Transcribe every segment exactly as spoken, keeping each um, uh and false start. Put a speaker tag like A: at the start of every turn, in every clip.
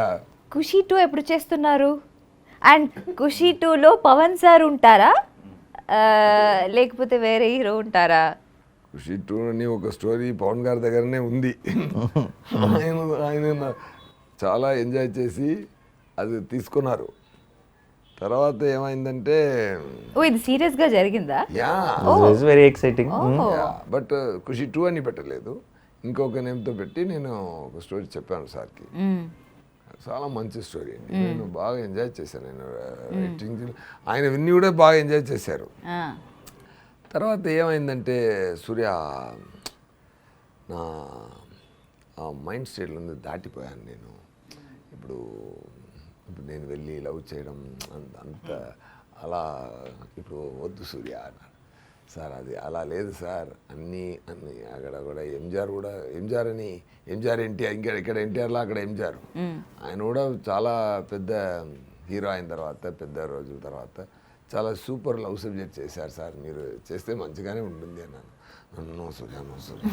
A: ఖుషి two ఎప్పుడు చేస్తున్నారు? And ఖుషి టూలో పవన్ సార్ ఉంటారా లేకపోతే వేరే హీరో ఉంటారా?
B: ఖుషి టూ అని ఒక స్టోరీ పవన్ గారి దగ్గరనే ఉంది. ఆయన ఆయన చాలా ఎంజాయ్ చేసి అది తీసుకున్నారు. తర్వాత ఏమైందంటే
A: ఓ ఇది సీరియస్ గా జరిగిందా?
B: Yeah
C: very exciting.
B: But Kushi too అని పెట్టలేదు, ఇంకొక నేమ్తో పెట్టి నేను ఒక స్టోరీ చెప్పాను సార్కి. చాలా మంచి స్టోరీ అండి, నేను బాగా ఎంజాయ్ చేశాను. నేను రైటింగ్ ఆయన విన్ని కూడా బాగా ఎంజాయ్ చేశారు. తర్వాత ఏమైందంటే సూర్య నా ఆ మైండ్ స్టేట్లో ఉంది దాటిపోయాను నేను. ఇప్పుడు ఇప్పుడు నేను వెళ్ళి లవ్ చేయడం అంత అంత అలా ఇప్పుడు వద్దు సూర్య అన్నాడు. సార్ అది అలా లేదు సార్, అన్నీ అన్నీ అక్కడ కూడా ఎంజిఆర్ కూడా ఎంజిఆర్ అని ఎంజిఆర్ ఎన్టీఆర్ ఇంకా ఇక్కడ ఎన్టీఆర్లో అక్కడ ఎంజిఆర్ ఆయన కూడా చాలా పెద్ద హీరో అయిన తర్వాత పెద్ద రోజుల తర్వాత చాలా సూపర్ లవ్ సబ్జెక్ట్ చేశారు సార్, మీరు చేస్తే మంచిగానే ఉంటుంది అన్నాను. No Surya no Surya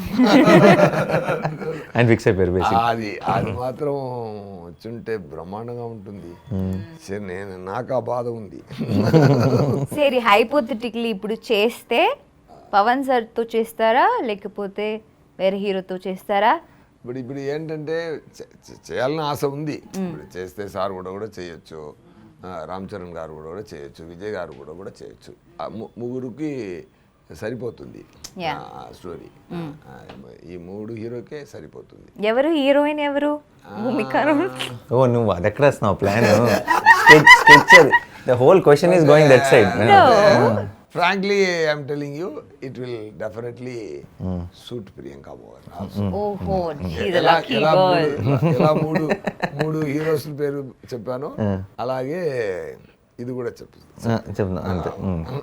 C: and fix అయిపోయారు.
B: అది అది మాత్రం వచ్చుంటే బ్రహ్మాండంగా ఉంటుంది. సరే నేను నాకు ఆ బాధ ఉంది.
A: సరే హైపోథెటికల్లీ ఇప్పుడు చేస్తే పవన్ సార్తో చేస్తారా లేకపోతే వేరే హీరోతో చేస్తారా?
B: ఇప్పుడు ఇప్పుడు ఏంటంటే చేయాలని ఆశ ఉంది. ఇప్పుడు చేస్తే సార్ కూడా కూడా చేయొచ్చు, రామ్ చరణ్ గారు కూడా కూడా చేయొచ్చు, విజయ్ గారు కూడా కూడా చేయొచ్చు. ముగ్గురికి సరిపోతుంది స్టోరీ, ఈ మూడు హీరోకే సరిపోతుంది.
A: ఎవరు హీరోయిన్ ఎవరు?
C: ఓ నువ్వు అది ఎక్కడ వస్తున్నావు plan? The whole question is going that side.
B: Frankly, I am telling you, it will definitely mm. suit Priyanka more also.
A: Oh, oh, she's a lucky girl.
B: ఎలా మూడు మూడు హీరోస్ పేరు చెప్పాను అలాగే ఇది కూడా చెప్పు
C: చెప్తున్నా అంతే.